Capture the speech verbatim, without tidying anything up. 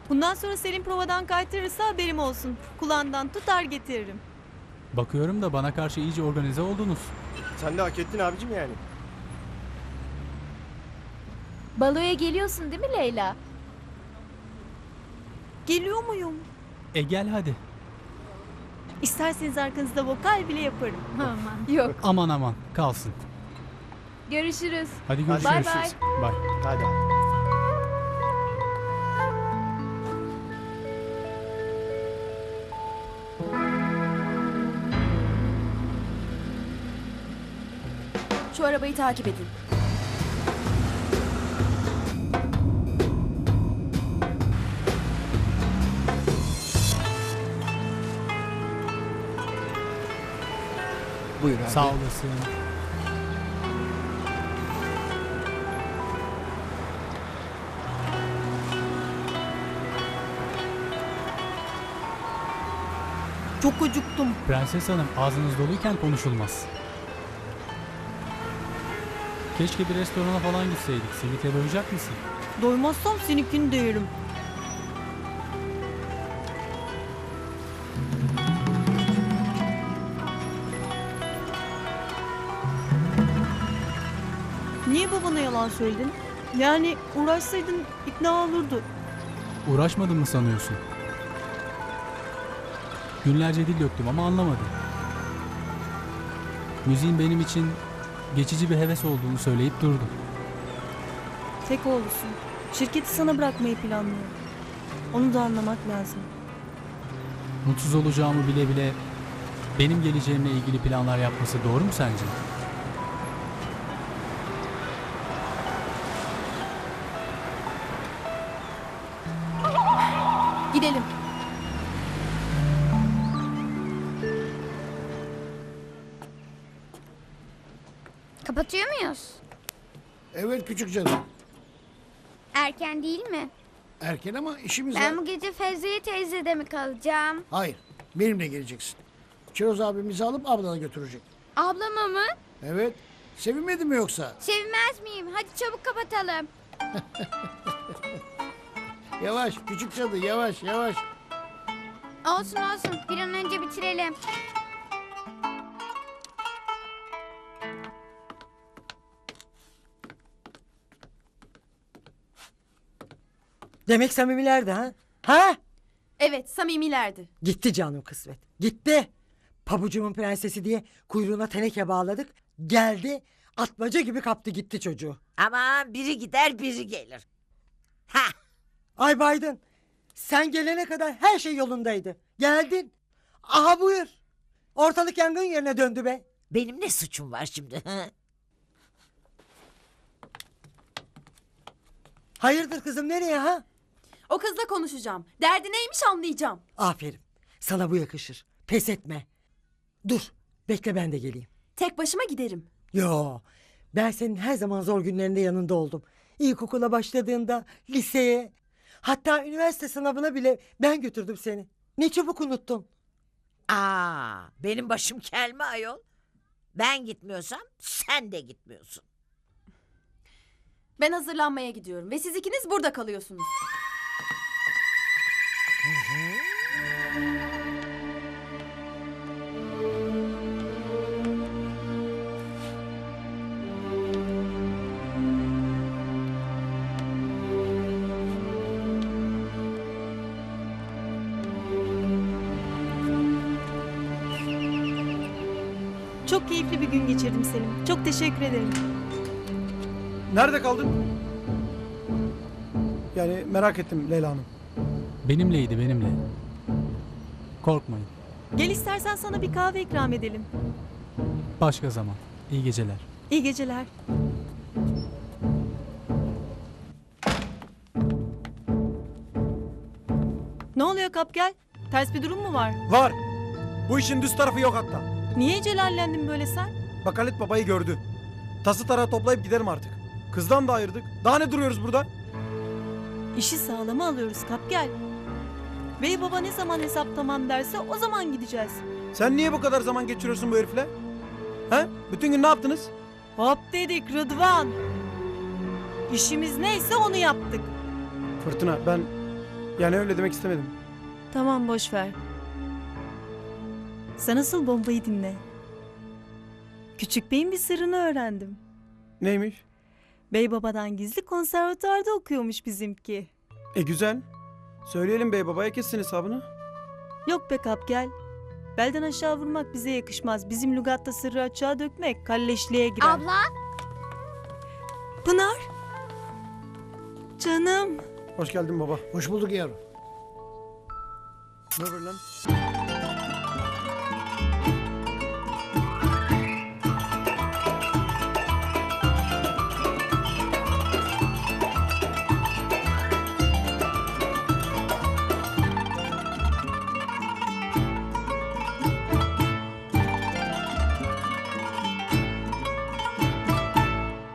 Bundan sonra Selim provadan kaytarırsa haberim olsun. Kulağından tutar getiririm. Bakıyorum da bana karşı iyice organize oldunuz. Sen de hak ettin abicim yani. Baloya geliyorsun değil mi Leyla? Geliyor muyum? E gel hadi. İsterseniz arkanızda vokal bile yaparım. Aman. Yok. Aman aman kalsın. Görüşürüz. Hadi Hadi görüşürüz. bay. Bay. Hadi abi. Şu arabayı takip edin. Buyur abi. Sağ olasın. Çok acıktım. Prenses Hanım ağzınız doluyken konuşulmaz. Keşke bir restorana falan gitseydik. Sivit'e doyacak mısın? Doymazsam seninkini de yerim. Niye babana yalan söyledin? Yani uğraşsaydın ikna olurdu. Uğraşmadın mı sanıyorsun? Günlerce dil döktüm ama anlamadım. Müziğin benim için geçici bir heves olduğunu söyleyip durdu. Tek oğlusun. Şirketi sana bırakmayı planlıyor. Onu da anlamak lazım. Mutsuz olacağımı bile bile benim geleceğimle ilgili planlar yapması doğru mu sence? Gidelim. Kapatıyor muyuz? Evet küçük canım. Erken değil mi? Erken ama işimiz Ben var. bu gece Fevziye teyzede mi kalacağım? Hayır. Benimle geleceksin. Çiroz abimizi alıp ablana götürecek. Ablama mı? Evet. Sevinmedin mi yoksa? Sevmez miyim? Hadi çabuk kapatalım. Yavaş küçük cadı yavaş yavaş. Olsun olsun. Bir an önce bitirelim. Demek samimilerdi ha? Ha? Evet, samimilerdi. Gitti canım kısmet. Gitti. Pabucumun prensesi diye kuyruğuna teneke bağladık. Geldi atmaca gibi kaptı gitti çocuğu. Aman biri gider biri gelir. Ha, Ay Baydın sen gelene kadar her şey yolundaydı. Geldin. Aha buyur. Ortalık yangın yerine döndü be. benim ne suçum var şimdi? ha? Hayırdır kızım nereye ha? O kızla konuşacağım. Derdi neymiş anlayacağım. Aferin. Sana bu yakışır. Pes etme. Dur. Bekle ben de geleyim. Tek başıma giderim. Yo. Ben senin her zaman zor günlerinde yanında oldum. İlkokula başladığında, liseye, hatta üniversite sınavına bile ben götürdüm seni. Ne çabuk unuttun. Aa, benim başım kel mi ayol? Ben gitmiyorsam sen de gitmiyorsun. Ben hazırlanmaya gidiyorum ve siz ikiniz burada kalıyorsunuz. Çok keyifli bir gün geçirdim Selim. Çok teşekkür ederim. Nerede kaldın? Yani merak ettim Leyla Hanım. Benimleydi benimle. Korkmayın. Gel istersen sana bir kahve ikram edelim. Başka zaman. İyi geceler. İyi geceler. Ne oluyor Kapgel? Ters bir durum mu var? Var. Bu işin düz tarafı yok hatta. Niye celallendin böyle sen? Bak Halit babayı gördü. Tası tarağı toplayıp gidelim artık. Kızdan da ayırdık. Daha ne duruyoruz burada? İşi sağlama alıyoruz Kapgel. Bey baba ne zaman hesap tamam derse o zaman gideceğiz. Sen niye bu kadar zaman geçiriyorsun bu herifle? He? Bütün gün ne yaptınız? Hop dedik Rıdvan. İşimiz neyse onu yaptık. Fırtına ben Yani öyle demek istemedim. Tamam boş ver. Sen asıl bombayı dinle. Küçük Bey'in bir sırrını öğrendim. Neymiş? Bey babadan gizli konservatuarda okuyormuş bizimki. E güzel. Söyleyelim bey babaya kessin hesabını. Yok be Kapgel. Belden aşağı vurmak bize yakışmaz. Bizim lügatta sırrı açığa dökmek kalleşliğe girer. Abla. Pınar. Canım. Hoş geldin baba. Hoş bulduk yavrum. Ne haber lan?